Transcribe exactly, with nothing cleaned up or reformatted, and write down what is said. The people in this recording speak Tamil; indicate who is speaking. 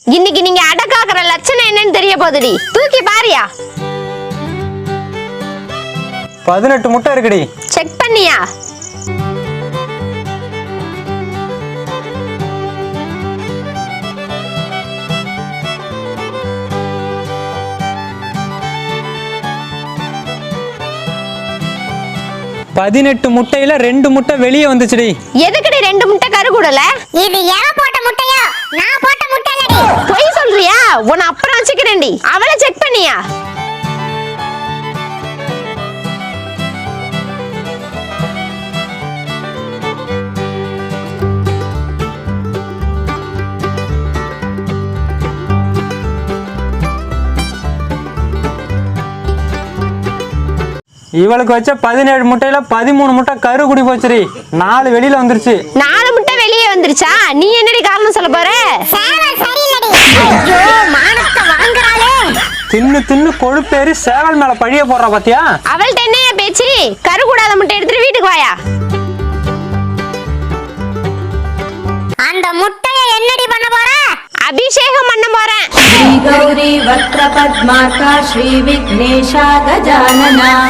Speaker 1: இன்னைக்கு நீங்க அடக்காக்குற லட்சணம் என்னன்னு தெரிய போகுதுடி. தூக்கி பாரியா.
Speaker 2: பதினெட்டு முட்டை இருக்குடி.
Speaker 1: செக் பண்ணியா?
Speaker 2: பதினெட்டு முட்டையில ரெண்டு முட்டை வெளியே வந்துச்சுடி.
Speaker 1: எதுக்குடி ரெண்டு முட்டை கரு கூடல?
Speaker 3: இது எவன் போட்ட முட்டையோ? நான் போட்ட முட்டை இல்லடி.
Speaker 1: பொய் சொல்றியா? உன்னை அப்புறம் வச்சுக்கிறேன்டி. அவளை செக் பண்ணியா?
Speaker 2: இவளுக்கு வச்ச பதினேழு முட்டையில பதிமூணு முட்டை கரு குடி போச்சுடி. நாலு வெளியில வந்துருச்சு.
Speaker 1: நாலு முட்டை வெளியே வந்துருச்சா? நீ என்னடி காரணம் சொல்ல போற?
Speaker 3: சேவல் சரியில்லடி. ஐயோ மானத்தை வாங்குறாளே.
Speaker 2: தின்னு தின்னு கொழுப்பேறி சேவல் மேல பழிய போடுறா பாத்தியா?
Speaker 1: அவள்கிட்ட என்னையா பேச்சு? கரு கூடாத முட்டை எடுத்துட்டு வீட்டுக்கு வாயா.
Speaker 3: அந்த முட்டையை என்னடி பண்ண போற?
Speaker 1: அபிஷேகம் பண்ண போறேன்.
Speaker 4: ஸ்ரீ கௌரி வக்ர பத்மார்கா ஸ்ரீ விக்னேஷா கஜானனா